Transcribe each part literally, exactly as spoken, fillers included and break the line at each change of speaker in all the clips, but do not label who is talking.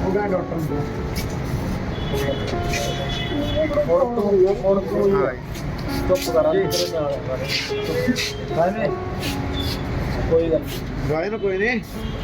हो गया डॉक्टर कोई नहीं।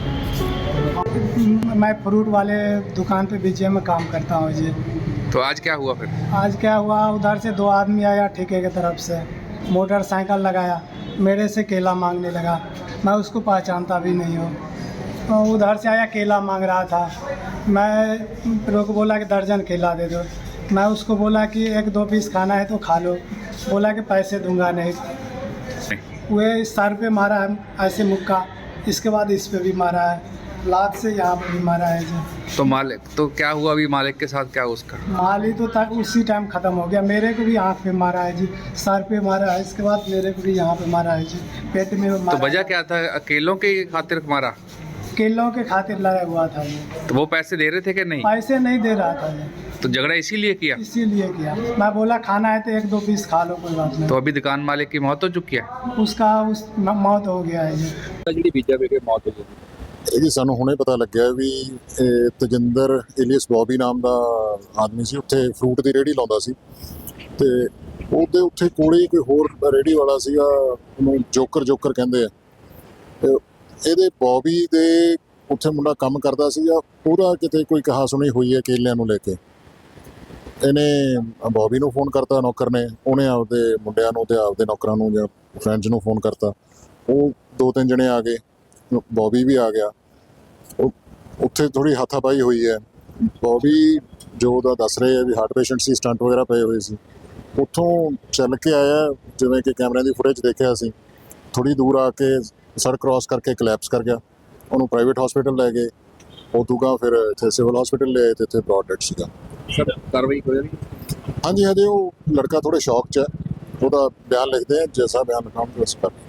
मैं फ्रूट वाले दुकान पे बीजे में काम करता हूँ जी।
तो आज क्या हुआ फिर?
आज क्या हुआ, उधर से दो आदमी आया ठेके की तरफ से, मोटरसाइकिल लगाया, मेरे से केला मांगने लगा। मैं उसको पहचानता भी नहीं हूँ। तो उधर से आया, केला मांग रहा था। मैं रोक बोला कि दर्जन केला दे दो। मैं उसको बोला कि एक दो पीस खाना है तो खा लो। बोला कि पैसे दूंगा नहीं। वे सर पे मारा है ऐसे मुक्का, इसके बाद इस पे भी मारा है, लात से यहाँ पे भी मारा है जी।
तो मालिक तो क्या हुआ अभी? मालिक के साथ क्या उसका?
माली तो तक उसी टाइम ख़त्म हो गया। मेरे को भी आँख पे मारा है जी, सर पे मारा है, इसके बाद मेरे को भी यहाँ पे मारा है जी, पेट में मारा।
तो वजह क्या था? अकेलों के खातिर मारा?
केलों के खातिर लड़ा हुआ था जी।
तो वो पैसे दे रहे थे कि नहीं?
पैसे नहीं दे रहा था जी,
तो झगड़ा इसीलिए किया?
इसीलिए किया। मैं बोला खाना है तो एक दो पीस खा लो, कोई बात नहीं।
तो अभी दुकान मालिक की मौत हो चुकी है?
उसका उस म- मौत हो गया है जी।
ਜਿਹੜੀ ਬੀਜਾ ਵੇਗੇ ਮੌਤ ਹੋ ਗਈ।
ਇਹ ਜੀ ਸਾਨੂੰ ਹੁਣੇ ਪਤਾ ਲੱਗਿਆ ਵੀ ਇਹ ਤਜਿੰਦਰ ਏਲੀਅਸ ਬੌਬੀ ਨਾਮ ਦਾ ਆਦਮੀ ਸੀ, ਉੱਥੇ ਫਰੂਟ ਦੀ ਰੇਹੜੀ ਲਾਉਂਦਾ ਸੀ ਤੇ ਉਹਦੇ ਉੱਥੇ ਕੋਲੇ ਹੀ ਕੋਈ ਹੋਰ ਰੇਹੜੀ ਵਾਲਾ ਸੀਗਾ, ਉਹਨੂੰ ਜੋਕਰ ਜੋਕਰ ਕਹਿੰਦੇ ਆ। ਤੇ ਇਹਦੇ ਬੌਬੀ ਦੇ ਉੱਥੇ ਮੁੰਡਾ ਕੰਮ ਕਰਦਾ ਸੀਗਾ, ਉਹਦਾ ਕਿਤੇ ਕੋਈ ਕਹਾ ਸੁਣੀ ਹੋਈ ਹੈ ਕੇਲਿਆਂ ਨੂੰ ਲੈ ਕੇ। ਇਹਨੇ ਬੌਬੀ ਨੂੰ ਫੋਨ ਕਰਤਾ, ਨੌਕਰ ਨੇ, ਉਹਨੇ ਆਪਦੇ ਮੁੰਡਿਆਂ ਨੂੰ ਤੇ ਆਪਦੇ ਨੌਕਰਾਂ ਨੂੰ ਜਾਂ ਫਰੈਂਡਸ ਨੂੰ ਫੋਨ ਕਰਤਾ। ਉਹ ਦੋ ਤਿੰਨ ਜਣੇ ਆ ਗਏ, ਬੌਬੀ ਵੀ ਆ ਗਿਆ। ਉਹ ਉੱਥੇ ਥੋੜ੍ਹੀ ਹੱਥਾਪਾਈ ਹੋਈ ਹੈ। ਬੌਬੀ ਜੋ ਉਹਦਾ ਦੱਸ ਰਹੇ ਆ ਵੀ ਹਾਰਟ ਪੇਸ਼ੈਂਟ ਸੀ, ਸਟੰਟ ਵਗੈਰਾ ਪਏ ਹੋਏ ਸੀ। ਉੱਥੋਂ ਚੱਲ ਕੇ ਆਇਆ, ਜਿਵੇਂ ਕਿ ਕੈਮਰਿਆਂ ਦੀ ਫੁਟੇਜ ਦੇਖਿਆ ਸੀ, ਥੋੜ੍ਹੀ ਦੂਰ ਆ ਕੇ ਸੜਕ ਕ੍ਰਾਸ ਕਰਕੇ ਕਲੈਪਸ ਕਰ ਗਿਆ। ਉਹਨੂੰ ਪ੍ਰਾਈਵੇਟ ਹਸਪੀਟਲ ਲੈ ਗਏ, ਉਦੋਂ ਗਾ ਫਿਰ ਇੱਥੇ ਸਿਵਲ ਹਸਪੀਟਲ ਲੈ ਆਏ ਤੇ ਇੱਥੇ ਬ੍ਰੌਡ ਡੈਡ ਸੀਗਾ।
ਸਰ ਕਾਰਵਾਈ ਹੋ ਜਾਣੀ?
ਹਾਂਜੀ, ਹਜੇ ਉਹ ਲੜਕਾ ਥੋੜ੍ਹੇ ਸ਼ੌਕ 'ਚ ਹੈ, ਉਹਦਾ ਬਿਆਨ ਲਿਖਦੇ ਆ, ਜੈਸਾ ਬਿਆਨ ਲਿਖਾਉਣਗੇ ਉਸ ਪਰ